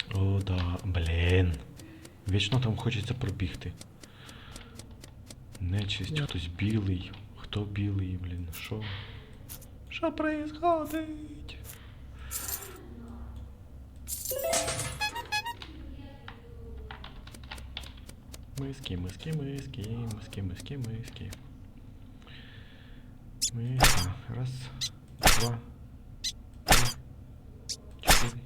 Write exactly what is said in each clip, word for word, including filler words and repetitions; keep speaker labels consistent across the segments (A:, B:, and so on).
A: О, да, блін. Вічно там хочеться пробігти. Нечисть, хтось білий. Хто білий, блін, що? Що происходить? Миски, миски, миски, миски, миски, миски. Миска. Раз, два, три, чотири.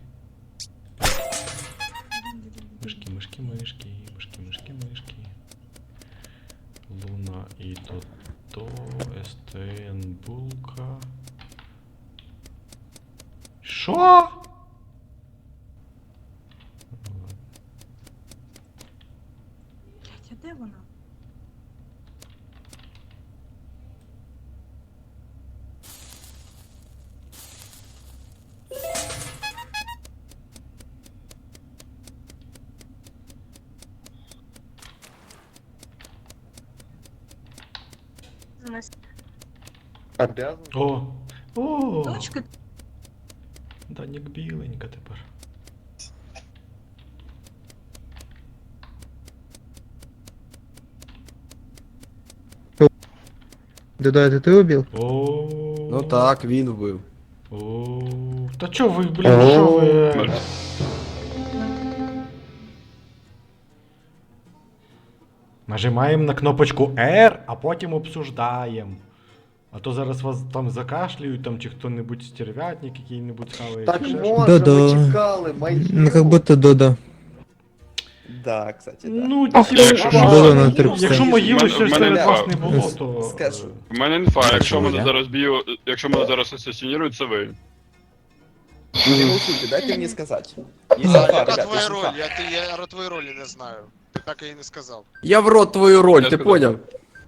A: Мишки, мишки, мишки, мишки, мишки, мишки. Луна і Тото, СТН Булка. Що?
B: Блять, а де вона?
C: Обязан?
A: О! О!
B: Точка.
A: Данік біленька тепер.
D: Дуда, это ты убил?
A: О.
E: Ну так, він вбив.
A: О. Та чо ви, блін, що ви? Нажимаємо на кнопочку R, а потім обсуждаємо. А то зараз вас там закашлюють, там чи хто-небудь стервятник який-небудь хаває.
C: Так
A: чи ще
C: можно,
A: щось.
D: Да-да.
C: мы чекали, мои.
D: Ну, как будто Дуда.
C: Да, кстати, да.
A: Ну,
F: А
A: ті,
F: хто-
A: якщо,
F: а
D: Було на три
A: якщо
D: псевдо.
A: могили ще
G: В мене
A: серед
G: інфа.
A: вас не було, то...
C: Скажу.
G: У мене інфа, якщо
E: чого,
G: мене
E: я?
G: зараз б'ю, якщо мене зараз асасинірують, це ви.
C: Не молчите, дайте мне сказать. Есть
H: А,
C: инфа,
H: яка
C: ребят,
H: твоя
C: есть
H: роль?
C: инфа.
H: Я, ти, я твої ролі не знаю. Ти так і не сказав.
E: Я в рот твою роль,
G: Я
E: ти
G: сказав.
E: поняв?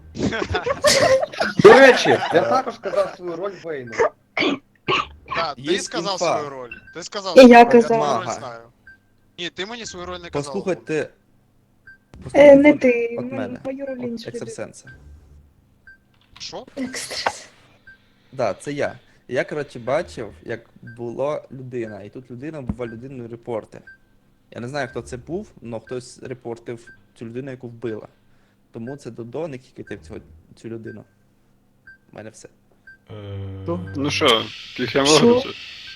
C: До речі, я також сказав свою роль Вейну.
H: Так, ти
C: Є
H: сказав
C: інфа.
H: свою роль. Ти сказав
F: І
H: свою
F: я
H: роль, я
F: казала.
H: твою роль
C: Мага.
H: знаю. Ні, ти мені свою роль не казав.
C: Послухайте.
F: Е,
C: послухайте
F: не ти,
C: От мене.
F: мою роль
C: От
F: інші люди.
C: екстрасенса.
H: Що?
F: Екстрас.
C: Да, це я. Я, коротше, бачив, як була людина, і тут людина була людиною репортер. Я не знаю, хто це був, але хтось репортив цю людину, яку вбила. Тому це Додо, не кікайте в цього, цю людину. У мене все.
A: Е,
G: Ну що, кіхем
F: Що?
G: вигрузив?
A: Що?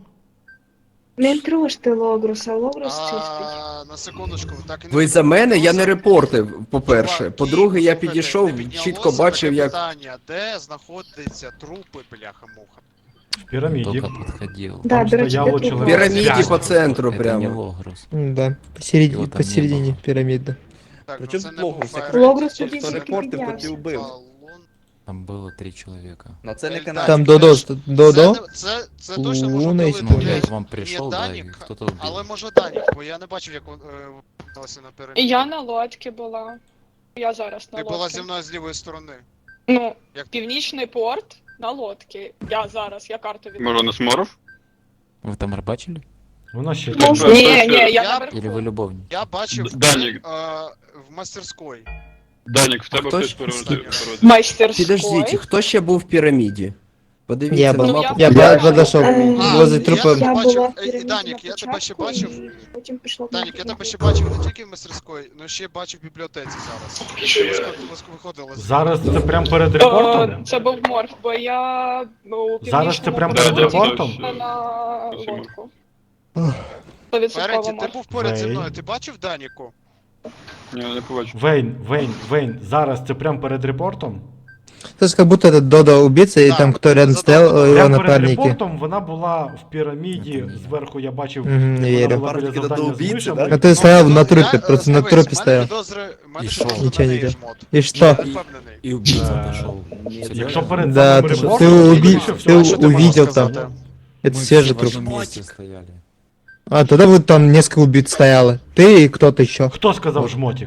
F: Не трожте Логруса, Логрус чистий.
H: А, на секундочку, так і не
E: Ви за мене, я не
H: Просто-
E: репортив, по-перше.
H: Чувак,
E: По-друге, я
H: слухайте,
E: підійшов,
H: не піднялося
E: чітко бачив,
H: таке
E: як.
H: питання, де знаходяться трупи, бляха-муха.
A: В піраміді.
I: Только подходил.
F: Да,
A: Там
F: до речі,
A: стояло
F: де
E: В
A: чоловік.
F: трупи?
E: піраміді
A: П'ять.
E: по центру
I: Это не
E: прямо.
I: Логрус.
D: Да, посередине,
I: Его там не
D: посередине
I: было.
D: пирамида.
H: Так,
C: При
H: ну
C: чому
H: це
C: тут
H: не був
C: Логрус?
H: Файрейт,
F: Логрус
H: це
F: тоді
C: Хто
F: тільки
C: репортив, той і
F: піднявся.
C: вбив.
H: Балон.
I: Там было три человека.
C: Ну це не
H: Там
C: канал.
D: Там
H: Данік,
D: Додо,
H: теж.
D: что- Додо?
H: Це, не- це, це точно може
D: Луна і
H: бути,
I: Ну, я
H: блядь,
I: к вам пришел,
H: не
I: да, и
H: Данік,
I: кто-то убил.
H: але може Данік, бо я не бачив, як вбилася на піраміді.
J: Я на лодці була. Я зараз на
H: Ти
J: лодці.
H: була зі мною з лівої сторони.
J: Ну,
H: Як-
J: північний порт на лодці. Я зараз, я карту від.
G: Може, не сморов?
I: Вы там рыбачили?
A: Вона ще
G: Ну,
A: там.
G: Ні,
J: Ні, ні, я
H: Я-
J: наверху.
I: Или вы любовник?
H: Я бачив
G: Д- Данік.
H: е, в мастерської.
G: Данік, в тебе
E: хто
G: хтось
E: ж-
G: переводив.
J: Майстерської.
E: Підождіть, хто ще був в піраміді? Подивіться
D: Я
E: на
D: был.
J: Ну,
E: мапу.
D: Я
J: Я-
D: по- подошел
F: Е,
H: А,
D: возле
H: я
D: трупа.
H: тебе
F: Я
H: бачив,
F: була в
H: е,
F: піраміді
H: Данік,
F: на
H: я тебе ще
F: початку,
H: бачив.
F: і потім пішла
H: Данік, я
F: на
H: тебе ще
F: другу.
H: бачив не тільки в мастерської, але ще бачив в бібліотеці зараз. Ще виходили.
A: Зараз це прям перед
J: О,
A: репортом?
J: це був морф, бо я ну, у
A: Зараз це
J: північному
A: прям
J: порті
A: перед репортом?
J: на
G: Спасибо.
J: лодку.
D: Ох.
J: Стовідсотково
H: Ференті, ти
J: морф.
H: був поряд зі
A: Вей.
H: мною, ти бачив Даніку?
G: Ні, не побачив.
A: Вейн, Вейн, Вейн, зараз це прям перед репортом?
D: То есть как будто это Додо убийца, и
H: Да,
D: там кто рядом
H: задал
D: стоял,
H: вопрос.
D: э, его
A: Прям перед
D: напарники.
A: репортом вона була в піраміді,
I: Це ні.
A: зверху я бачив,
D: Мгм, не
A: вона
D: верю.
A: була біля
C: Напарники до
A: завдання з
C: убійці,
A: мишами.
C: да?
D: А ты стоял на
H: Я,
D: трупе,
H: е,
D: просто на
H: дивись,
D: трупе
H: в
D: стоял.
H: мене підозри, в мене
I: І
H: підозри
I: що?
H: на
D: Нічого,
H: неї
D: нічого.
H: жмот.
D: И
H: Я
D: что?
H: не впевнений.
I: И убийца
E: Э,
I: пошел.
A: Якщо перед
D: Да,
A: самим
D: ты,
A: репортом,
D: ты,
A: то
D: уби-
A: більше
D: ты
A: всього.
H: А що ти можеш
D: увидел там.
H: сказати?
D: Это
I: Мы
D: свежий
I: все в
D: труп.
I: одном месте стояли.
D: А тогда вот там несколько убийц стояло. Ты и кто-то еще.
A: Хто сказав жмотик?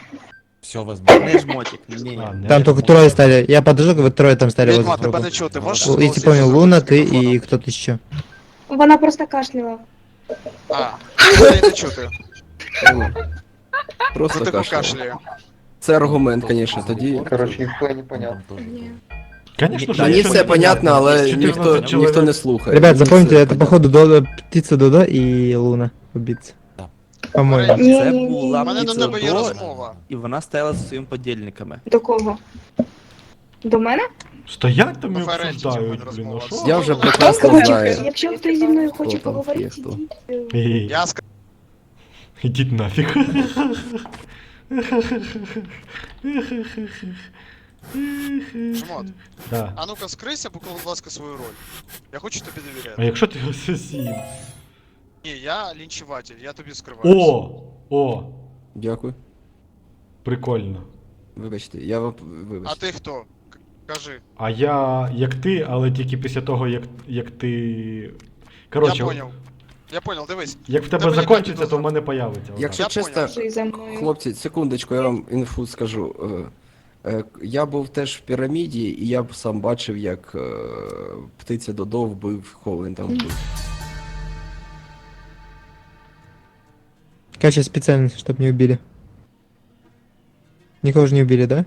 I: Все возможно.
C: Не жмотик, ні.
A: А, не
D: Там только
A: жмотик.
D: трое стали. Я подожду, вот трое там стали возле
H: Відьма, тебе
D: трупа.
H: не чути, можеш?
D: Л- Если
H: голосніше
D: понял, Луна,
H: зробити з
D: ты и
H: мікрофоном?
D: кто-то еще.
F: Вона просто кашляла.
H: А, це не чути.
E: Просто
H: Це таку
E: кашляє.
H: кашляє.
E: Це аргумент, звісно, тоді.
C: Короче, ніхуя не понятно.
I: Там тоже
F: Ні.
A: Конечно, що
E: Мені
A: нічого
E: все
A: не
E: понятно, але
A: чотирнадцять
E: ніхто,
A: чоловік.
E: ніхто не слухає.
D: Ребят,
E: Мені
D: запомните,
E: все
D: это
E: понятно.
D: походу Додо, птица Додо и Луна убийца. По-моему.
C: Це
F: Ні-ні-ні.
C: була
H: У мене до тебе є
C: Піцедо,
H: розмова.
C: і вона стояла зі своїми подільниками.
F: До кого? До мене?
A: Стоять там і
H: На Ференті
A: обсуждають,
H: цього
A: блін,
H: не
A: ну що?
H: розмова.
E: Я вже
H: Ну,
E: прекрасно
F: Коротше,
E: знаю.
F: якщо хтось зі мною хоче
E: Хто там є,
F: поговорити,
E: хто.
F: ідіть. е,
A: Ей,
H: Я сказав,
A: ідіть нафіг.
H: Жмот,
A: Да.
H: а ну-ка скрийся, покажи, будь ласка, свою роль. Я хочу тобі
A: А
H: довіряти.
A: якщо ти асасін?
H: Ні, я лінчуватель, я тобі скриваюся.
A: О! О!
E: Дякую.
A: Прикольно.
E: Вибачте, я вам
H: А
E: вибачте.
H: ти хто? К- Кажи.
A: А я як ти, але тільки після того, як, як ти.
H: Я
A: Коротше,
H: поняв. Я понял, дивись.
A: як в тебе
H: Тебе
A: закінчиться,
H: ніяк
A: то
H: не
A: в мене появиться. отак.
E: Якщо
H: Я
E: чесно,
H: поняв.
F: Що і за мною.
E: хлопці, секундочку, я вам інфу скажу. Е, е, Я був теж в піраміді, і я б сам бачив, як е, птиця Додо вбив, кого він там вбив.
D: Кача специально, чтобы не убили. Никого же не убили, да?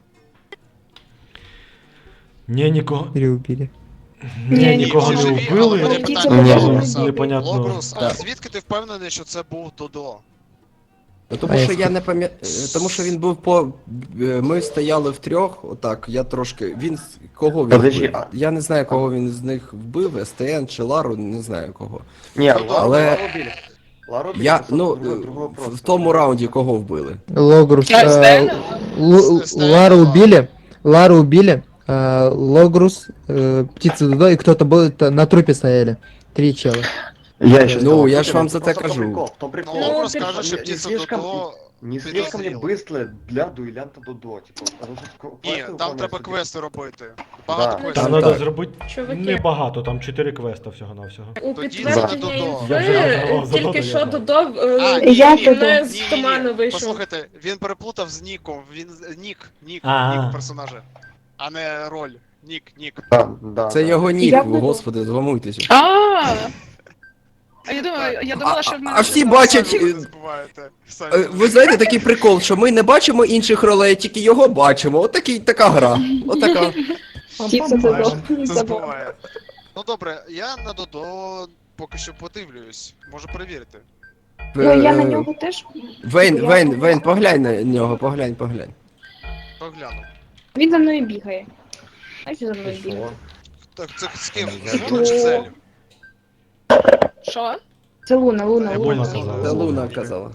A: Ні, нікого.
D: Или убили?
A: Ні,
F: Ні,
A: нікого
H: всі
A: не
H: живі, але
A: вбили.
H: мене
F: Ні.
H: питання
D: Ні.
H: до Логруса.
A: Непонятно.
H: Логрус, а
E: Так.
H: звідки ти впевнений, що це був Додо?
E: Ну, тому
D: А
E: що
D: я
E: я не пам'ятаю. Тому що він був по. е, Ми стояли в трьох, отак, я трошки. Він з- кого він
B: Подожди,
E: вбив? Я не знаю, кого він з них вбив, ес те ен чи Лару, не знаю кого.
B: Не,
H: Ну да,
B: Лару,
E: але-
B: Лару убили. Лару убили,
E: Я,
B: это
E: ну,
B: другой- другой вопрос.
E: в тому раунді кого вбили?
D: Логрус.
J: А,
D: э,
J: Стена?
D: Лу-
H: С- Стена,
D: Лару
H: да.
D: убили. Лару убили. э, Логрус, э, птица Дудо и кто-то был это, на трупе стояли. Три чела.
B: Я еще
E: Ну,
B: сказал,
E: я ж
B: слушай,
E: вам
B: ну,
E: за те
B: просто в том
E: кажу.
B: прикол, в том
H: Ну,
B: прикол.
H: Логрус
J: Ну,
H: каже, що
B: не
H: птиця
B: слишком-
H: Додо...
B: Не слишком ли
H: підозріло.
B: быстро для дуэлянта Дудо, типа, потому что
H: Ні,
B: квесты
H: там
B: выполняются
H: треба
B: без-
H: квести робити. Багато
B: Да.
A: Там
H: квестів.
E: Там
A: треба
E: так.
A: зробити
J: Чуваки.
A: небагато, там чотири квеста всього-навсього.
J: У
H: Тоді
J: підтвердження
H: це не Додо.
A: Я вже розгадав
J: інфи
A: Додо,
J: тільки
A: я
J: що
A: знаю.
J: Додо
H: А,
J: е,
H: ні,
F: Я
H: ні,
F: Додо.
J: не
H: ні,
J: з
H: ні,
J: туману
H: ні.
J: вийшов.
H: Послухайте, він переплутав з Ніком, він з- Нік, Нік,
A: А.
H: Нік персонажа, а не роль. Нік, Нік.
B: Да, да,
E: Це
B: да.
E: його нік,
F: Я буду-
E: господи, зламуйтеся.
J: А, а я думаю, я думала,
E: А-
J: що в мене
E: а всі
J: щось
E: бачать,
H: Самі
E: е,
H: ви не забуваєте. Самі
E: Е,
H: ви
E: Ви знаєте такий прикол, що ми не бачимо інших ролей, тільки його бачимо. От такий, така гра. Отака.
F: Птиця Додо.
H: Це
F: Забула.
H: збиває. Ну добре, я на Додо поки що подивлюсь. Можу перевірити.
F: Ну, я на
E: Е,
F: нього теж.
E: Вейн,
F: Я-
E: Вейн, Вейн, поглянь на нього, поглянь, поглянь.
H: Погляну.
F: Він за мною бігає. Знаєш, що за мною
B: И
F: бігає?
B: что?
H: Так, це з ким?
I: Я
H: З Луна чи Зелю?
J: Що?
F: Це Луна, Луна,
A: Я
F: Луна.
A: понял, сказала.
E: Це Луна казала.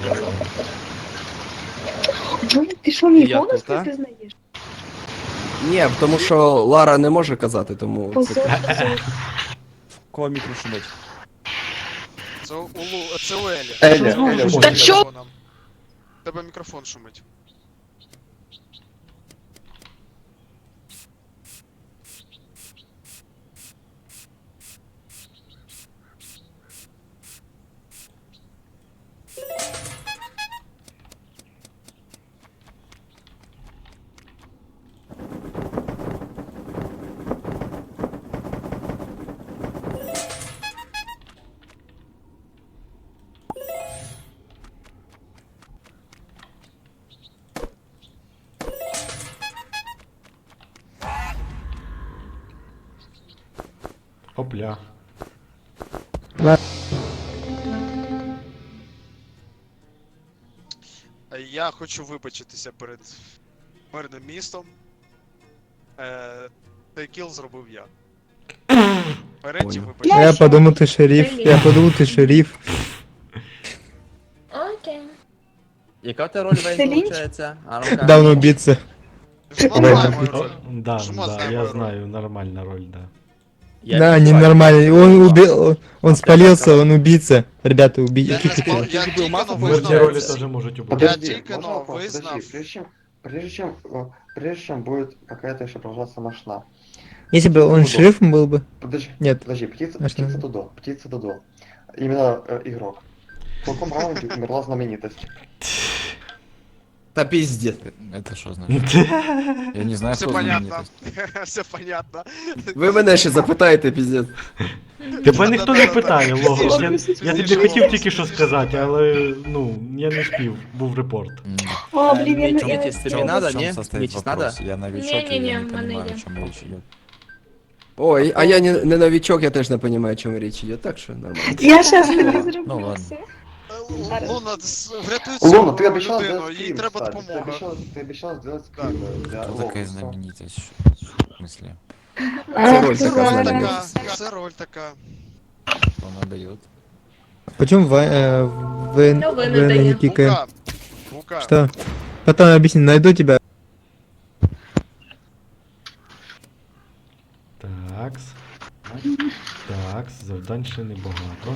F: Ну, ти що, мій
C: Я
F: голос
C: тут, а?
F: не пізнаєш?
E: Ні, тому що Лара не може казати, тому це...
F: Позор, позор.
C: Кого мікро шумить?
H: Це у Лу... це у Елі.
B: Эля,
A: Що
B: Эля,
A: за
B: что
J: Та
B: ты
J: чо?
B: делаешь?
H: Тебе мікрофон шумить.
A: Опля.
H: Я хочу вибачитися перед мирним містом. Е, цей кіл зробив я. Береті
E: Понял.
H: вибачте.
D: Я подумал, ты шериф. Я подумал, ты шериф.
J: Окей.
C: Яка в тебе роль Вейн,
F: Це лінч?
C: виходить? А ну-ка.
D: Давно убийца.
H: Жмот знає мою
A: О,
H: роль.
A: да,
H: Жмот
A: да,
H: знає
A: я
H: мою роль.
A: знаю, нормальна роль, да.
C: Я
D: Да,
C: не знаю.
D: ненормально. Он убил, он спалился, он убийца. Ребята,
H: Я
D: убийца.
H: не спал, я
C: Ти
H: тільки
C: масу
H: но
C: будеш
A: Мирні ролі
H: визнав.
A: теж можуть убити.
B: Подожди,
H: только,
B: можно
H: но
B: вопрос?
H: вызнав.
B: Подожди, прежде чем, прежде чем, э, прежде чем будет какая-то еще продолжаться машина.
D: Если бы он шерифом был бы.
B: Подожди,
D: Нет.
B: подожди, птица,
D: А что?
B: птица Дудо, птица Дудо. Именно э, игрок. В каком раунде умерла знаменитость?
E: Та піздець.
I: Это что значит? Я не знаю,
H: Все
I: кто
H: понятно.
I: знаменитость.
H: Все понятно.
E: Ви мене ще запитаєте, піздець.
A: Тебе ніхто не питає, Логос. Я,
H: Пізніше.
A: я тобі хотів тільки що сказати, але ну, я не спів, був репорт.
I: М,
F: О, блін, я не...
C: Мітіс,
F: я-
C: тобі
I: в
C: надо,
I: чем
C: не?
I: состоит
C: Мітіс надо?
I: вопрос? Я новичок, и
J: Не-не-не,
I: я не
J: в мене
I: понимаю,
J: йде.
I: о чем речь идет.
E: Ой, а я не, не новичок, я теж не розумію, о чому річ іде, так що нормально.
F: Я щас тобі
I: Ну
F: зроблю
I: ладно.
F: все.
J: Зараз.
H: Луна, с- врятуй
B: Луна,
H: цю
B: ти обіцяла
H: людину,
B: зробити
H: їй
B: скрін,
H: треба
B: кстати. Ти
H: допомога.
B: обіцяла, ти обіцяла зробити
H: Так.
B: скрін для
I: Кто такая
B: Локуса.
I: знаменитость? В смысле?
D: Це роль
H: Це
D: така
H: роль
D: знаменита.
H: така, це роль така.
I: Что она дает?
D: Почему вы, э, вы,
F: Ну, вы
D: вы
F: надоели.
D: не кикаем?
H: Бука. Бука.
D: Что? Потом объясни, найду тебя.
A: Такс. Такс, завдань ще небагато.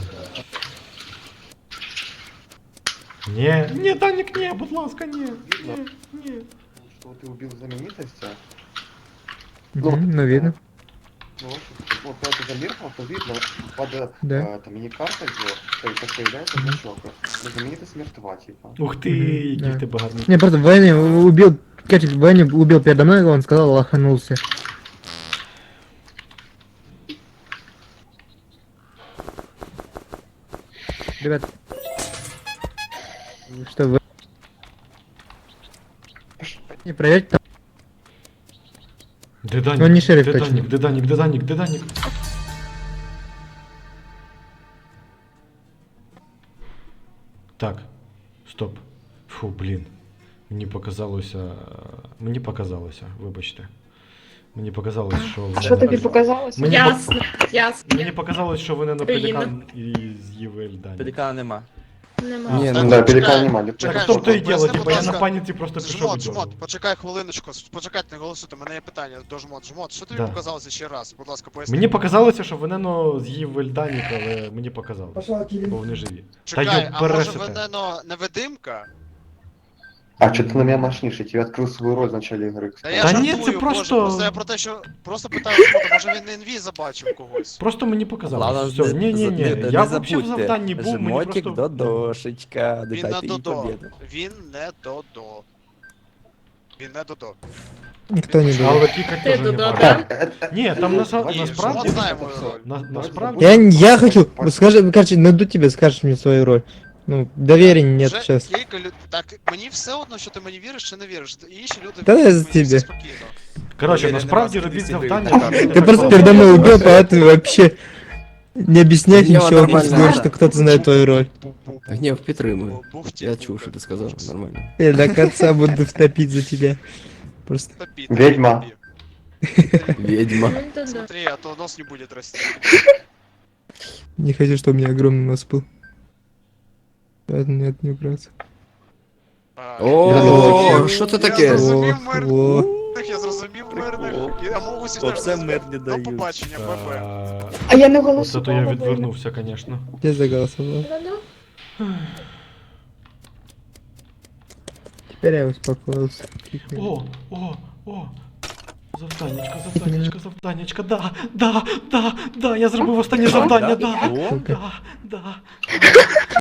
A: Ні, ні, Данік, ні, будь ласка, ні, ні, ні.
B: Что ты убил знаменитость?
D: Мгм, ну видно.
B: Ну, вот когда ты замерзнул, то видно, под
D: Да.
B: э, там мини-картой, где то есть, появляется значок. Но знаменитость мертва, типа.
A: Ух ти,
D: Мгм,
A: який
D: да.
A: ти багатий.
D: Не, просто Ваня убил, короче, Ваня убил передо мной, он сказал, лоханулся. Ребят, что вы... Не проверьте там.
A: Де Данік?
D: Ну, не шериф
A: де
D: точно.
A: Данік, де Данік, де Данік, де Данік? Так, стоп. Фу, блін. Мені показалося. Мені показалося, вибачте. Мені показалось, що вони...
F: Що тобі показалось?
A: Мені,
J: Ясно, ясно.
A: по- мені показалось, що вони на
J: Україна.
A: пелікан і з'їли Данік.
C: Пелікана нема.
F: Нема.
E: Ні,
B: Да,
E: ну,
B: пеликан нема.
A: Так
H: Чекай,
A: в тому то і
H: щоб
A: діло,
H: поясни,
A: типа
H: будь
A: я на
H: ласка.
A: паніці просто пішов
H: Жмот,
A: від нього.
H: жмот, почекай хвилиночку, почекайте, не голосуйте, у мене є питання до жмот. Жмот, що тобі
A: Да.
H: показалося ще раз? Будь ласка, поясни.
A: Мені показалося, що Венено з'їв Вельданік, але мені показалось. Бо вони живі.
H: Чекай,
A: Та
H: а
A: йоб
H: може
A: пересите.
H: Венено невидимка?
B: А что ты на меня мощнишь? Я тебе открыл свою роль в начале игры,
H: Та
B: кстати.
H: я
A: Та ні,
H: жартую,
A: це
H: боже,
A: просто-
H: просто я про те, що просто питаю жмота, може він на інві забачив когось.
A: Просто мені показалось.
C: Ладно,
A: Все,
C: не-
A: ні, ні,
C: не-
A: ні.
C: не
A: Я взагалі в
C: забудьте.
A: завданні був, мені
C: Жмотик
A: просто...
C: Додошечка,
H: Він не
C: дайте їй
H: додо.
C: победу.
H: Він не додо. Він не додо.
D: Никто не
A: Але
D: думал.
A: кікать
J: Ти
A: теж не
J: додо,
A: варто.
J: да?
B: Э, э,
A: Ні, там наса-
H: Ні,
A: насправді...
H: жмот знає мою роль.
A: На,
B: Давайте
A: насправді...
D: Я, я хочу, ну, скажи, короче, найду тебя, скажешь мне свою роль. Ну, доверия нет
H: Вже
D: сейчас.
H: кілька люд... Так, мені все одно, що ти мені віриш чи не віриш. Інші люди
D: Та я
H: вірять,
D: за
H: мені все
D: тебе.
H: спокійно.
A: Коротше,
C: Уверен,
A: насправді
C: на вас
A: робіть
C: всі
A: завдання...
C: вийдуть.
A: щоб не
D: Ты
A: так
D: просто
A: довго.
D: передо мной убил, поэтому вообще не объяснять
E: Я
D: ничего,
E: нормально.
D: просто говоришь, что кто-то знает твою роль.
E: Гнев підтримую.
H: Бухті,
E: Я
H: бухті.
E: чув, що ти сказав, нормально.
D: Я до конца буду втопить за тебя. Просто.
H: Топи,
B: Ведьма.
H: топи.
E: Ведьма.
F: Ну, да, да.
H: Смотри, а то нос не будет расти.
D: Не хочу, чтобы у меня огромный нос был. Поэтому нет, не убраться.
H: А,
E: О,
H: я зрозумів,
E: що це
H: Я
E: таке?
H: зрозумів
D: О,
H: мирних,
D: о.
H: я зрозумів мирних. Я можу усіх
C: Оце
H: теж зрозумів.
C: мирні
H: До
C: дають.
H: побачення, ББ.
A: Е,
F: А я не
A: Оце то я
F: голосувала.
A: відвернувся, звісно.
D: Я заголосовал.
F: Ну-ну.
D: Теперь я успокоился.
A: О, о, о. Завданечка, завданечка, завданечка, да, да, да, да, я зробив останнє завдання, да,
C: О,
A: да, да.